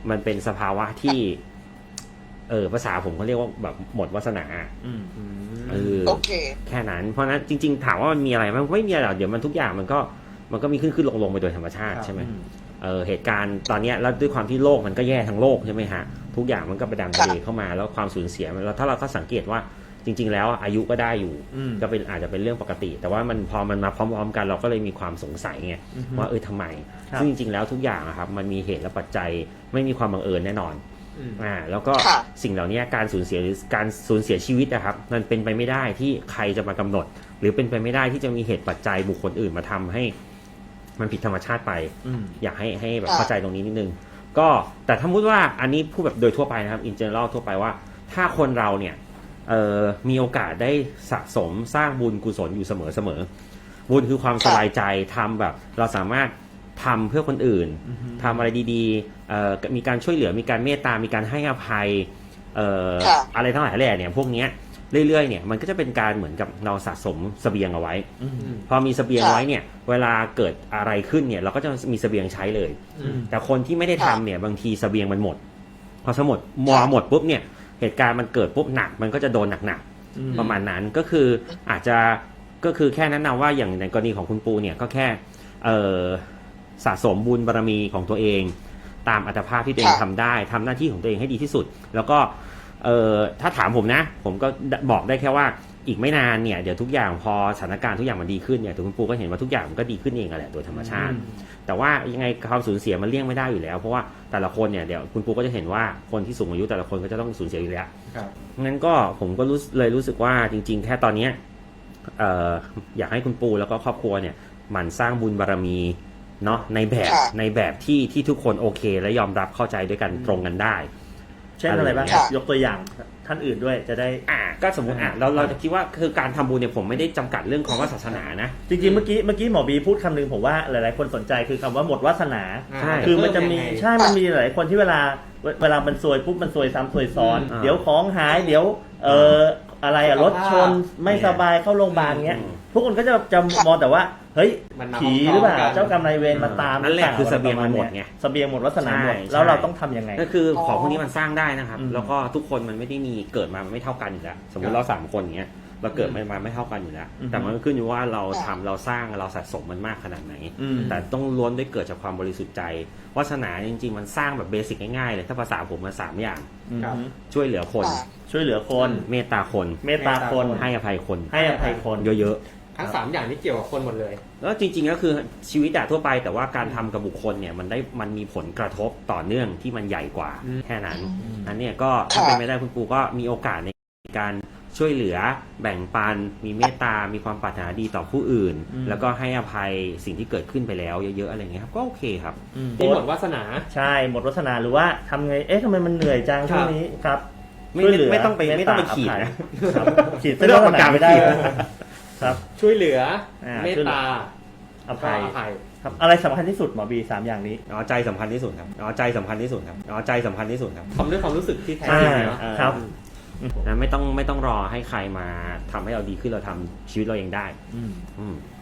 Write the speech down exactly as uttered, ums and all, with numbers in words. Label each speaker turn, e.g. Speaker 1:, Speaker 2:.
Speaker 1: มันเป็นสภาวะที่เออภาษาผมเขาเรียกว่าแบบหมดวาสนาเออโอเคแค่นั้นเพราะนั้นจริงๆถามว่ามันมีอะไรมันไม่มีอะไรหรอกเดี๋ยวมันทุกอย่างมันก็มันก็มีขึ้นขึ้นลงลงไปโดยธรรมชาติใช่ไหมเออเหตุการณ์ตอนนี้แล้วด้วยความที่โลกมันก็แย่ทั้งโลกใช่ไหมฮะทุกอย่างมันก็ประดังประเดเข้ามาแล้วความสูญเสียมันแล้วถ้าเราก็สังเกตว่าจริงๆแล้วอายุก็ได้อยู่ก็เป็นอาจจะเป็นเรื่องปกติแต่ว่ามันพอมันมาพร้อมๆกันเราก็เลยมีความสงสัยไงว่าเออทำไมซึ่งจริงๆแล้วทุกอย่างครับมันมีเหตุและปัจจัยไม่มีความบังเอิญแน่นอนอ่าแล้วก็สิ่งเหล่านี้การสูญเสียหรือการสูญเสียชีวิตนะครับมันเป็นไปไม่ได้ที่ใครจะมากำหนดหรือเป็นไปไม่ได้ที่จะมีเหตุปัจจัยบุคคลอื่นมาทำให้มันผิดธรรมชาติไปอยากให้ให้แบบเข้าใจตรงนี้นิดนึงก็แต่ถ้าพูดว่าอันนี้พูดแบบโดยทั่วไปนะครับ in general ทั่วไปว่าถ้าคนเราเนี่ยเอ่อมีโอกาสได้สะสมสร้างบุญกุศลอยู่เสมอเสมอบุญคือความสบายใจทำแบบเราสามารถทำเพื่อคนอื่นทำอะไรดีๆเอ่อมีการช่วยเหลือมีการเมตตามีการให้อภัยเอ่ออะไรทั้งหลายแหล่เนี่ยพวกเนี้ยเรื่อยๆเนี่ยมันก็จะเป็นการเหมือนกับเราสะสมเสบียงเอาไว้พอมีเสบียงไว้เนี่ยเวลาเกิดอะไรขึ้นเนี่ยเราก็จะมีเสบียงใช้เลยแต่คนที่ไม่ได้ทำเนี่ยบางทีเสบียงมันหมดพอสมมติมอหมดปุ๊บเนี่ยเหตุการณ์มันเกิดปุ๊บหนักมันก็จะโดนหนักๆประมาณนั้นก็คืออาจจะก็คือแค่นั้นนะว่าอย่างในกรณีของคุณปูเนี่ยก็แค่เอ่อสะสมบุญบารมีของตัวเองตามอัตภาพที่ตัวเองทำได้ทำหน้าที่ของตัวเองให้ดีที่สุดแล้วก็เอ่อถ้าถามผมนะผมก็บอกได้แค่ว่าอีกไม่นานเนี่ยเดี๋ยวทุกอย่างพอสถานการณ์ทุกอย่างมันดีขึ้นเนี่ยตัวคุณปูก็เห็นว่าทุกอย่างมันก็ดีขึ้นเองแหละโดยธรรมชาติแต่ว่ายังไงความสูญเสียมันเลี่ยงไม่ได้อยู่แล้วเพราะว่าแต่ละคนเนี่ยเดี๋ยวคุณปูก็จะเห็นว่าคนที่สูงอายุแต่ละคนก็จะต้องสูญเสียอยู่แล้วงั้นก็ผมก็รู้เลยรู้สึกว่าจริงๆแค่ตอนนี้เอ่ออยากให้คุณปูแล้วก็ครอบครัวเนี่ยหมั่นสร้างบุญบารมีเนาะในแบบในแบบที่ที่ทุกคนโอเคและยอมรับเข้าใจด้วยกันตรงกันได้
Speaker 2: เช่นอะไรบ้างยกตัวอย่างท่านอื่นด้วยจะได้
Speaker 1: อ่าก็สมมติอ่ะเราเราจะคิดว่าคือการทำบุญเนี่ยผมไม่ได้จำกัดเรื่องของว่าศาสนานะ
Speaker 2: จริงๆเมื่อกี้เมื่อกี้หมอบีพูดคำนึงผมว่าหลายๆคนสนใจคือคำว่าหมดวาสนาคือมันจะมีใช่มันมีหลายคนที่เวลาเวลามันซวยปุ๊บมันซวยซ้ำซวยซ้อนเดี๋ยวของหายเดี๋ยวเอ่ออะไรอะรถชนไม่สบายเข้าโรงพยาบาลเงี้ยทุกคนก็จะจะมองแต่ว่าเฮ้ยผีหรือเปล่าเจ้ากรรมนายเวรมาตาม
Speaker 1: นั่นแหละคือเสบียงมันหมดไง
Speaker 2: เสบียงหมดวาสนาหมดแล้วเราต้องทำยังไง
Speaker 1: ก็คือของพวกนี้มันสร้างได้นะครับแล้วก็ทุกคนมันไม่ได้มีเกิดมาไม่เท่ากันอยู่แล้วสมมติเราสามคนอย่างเงี้ยเราเกิดมาไม่เท่ากันอยู่แล้วแต่มันขึ้นอยู่ว่าเราทำเราสร้างเราสะสมมันมากขนาดไหนแต่ต้องล้วนได้เกิดจากความบริสุทธิ์ใจวาสนาจริงๆมันสร้างแบบเบสิกง่ายๆเลยถ้าภาษาผมมาสามอย่างช่วยเหลือคน
Speaker 2: ช่วยเหลือคน
Speaker 1: เมตตาคน
Speaker 2: เมตตาคน
Speaker 1: ให้อภัยคน
Speaker 2: ให้อภัยคน
Speaker 1: เยอะ
Speaker 3: ๆทั้งสามอย่างนี้เกี่ยวกับคนหมดเลย
Speaker 1: แล้วจริงๆก็คือชีวิตทั่วไปแต่ว่าการทำกับบุคคลเนี่ยมันได้มันมีผลกระทบต่อเนื่องที่มันใหญ่กว่าแค่นั้นอันนี้ก็ถ้าเป็นไม่ได้คุณปูก็มีโอกาสในการช่วยเหลือแบ่งปันมีเมตตามีความปรารถนาดีต่อผู้อื่นแล้วก็ให้อภัยสิ่งที่เกิดขึ้นไปแล้วเยอะๆอะไรเงี้ยครับก็โอเคครับ
Speaker 3: ที่หมดวาสนา
Speaker 2: ใช่หมดวาสนาหรือว่าทำไงเอ๊ะทำไมมันเหนื่อยจังช่วงนี้ครับ
Speaker 1: ไม่ไม่ต้องไปไม่ต้องไปขีดนะ
Speaker 2: ขีดไม่ต้องประกาศไม่ได้ครับ
Speaker 3: ช่วยเหลือเมตตา
Speaker 2: อภัยครับอะไรสำคัญที่สุดหมอบีสามอย่างนี้
Speaker 1: อ๋อใจสำคัญที่สุดครับอ๋อใจสำคัญที่สุดครับอ๋อใจสำคัญที่สุดครับ
Speaker 3: ทำด้วยความรู้สึกที่แท้จริง
Speaker 2: ครับ
Speaker 1: นะไม่ต้องไม่ต้องรอให้ใครมาทำให้เราดีขึ้นเราทำชีวิตเราเองได้
Speaker 2: อืม